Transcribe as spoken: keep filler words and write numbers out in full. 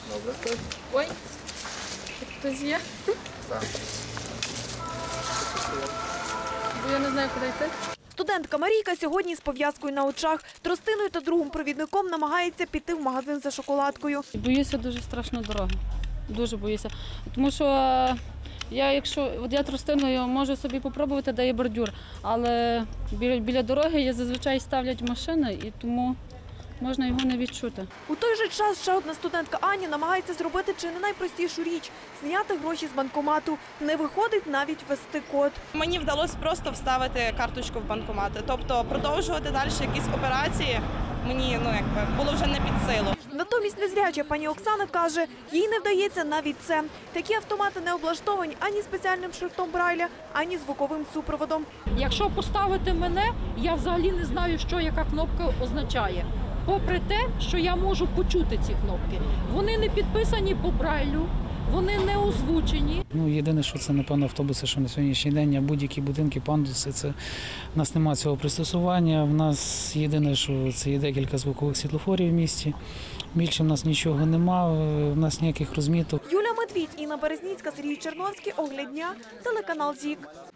Добре. Ой, хтось є? Так. Бо я не знаю, куди йти. Студентка Марійка сьогодні з пов'язкою на очах. Тростиною та другим провідником намагається піти в магазин за шоколадкою. Боюся дуже страшно дороги. Дуже боюся. Тому що я, якщо от я тростиною можу собі попробувати, де є бордюр, але біля, біля дороги я зазвичай ставлять машини, і тому можна його не відчути. У той же час ще одна студентка Аня намагається зробити чи не найпростішу річ – зняти гроші з банкомату. Не виходить навіть ввести код. Мені вдалося просто вставити карточку в банкомат. Тобто продовжувати далі якісь операції мені ну, якби, було вже не під силу. Натомість незряча пані Оксана каже, їй не вдається навіть це. Такі автомати не облаштовані ані спеціальним шрифтом Брайля, ані звуковим супроводом. Якщо поставити мене, я взагалі не знаю, що яка кнопка означає. Попри те, що я можу почути ці кнопки. Вони не підписані по Брайлю, вони не озвучені. Ну, єдине, що це, напевно, автобуси, що на сьогоднішній день, а будь-які будинки, пандуси, це в нас немає цього пристосування. В нас єдине, що це є декілька звукових світлофорів в місті. Більше в нас нічого нема, в нас ніяких розміток. Юля Медвідь, Інна Березніцька, Сергій Черновський, Огляд дня, телеканал ЗІК.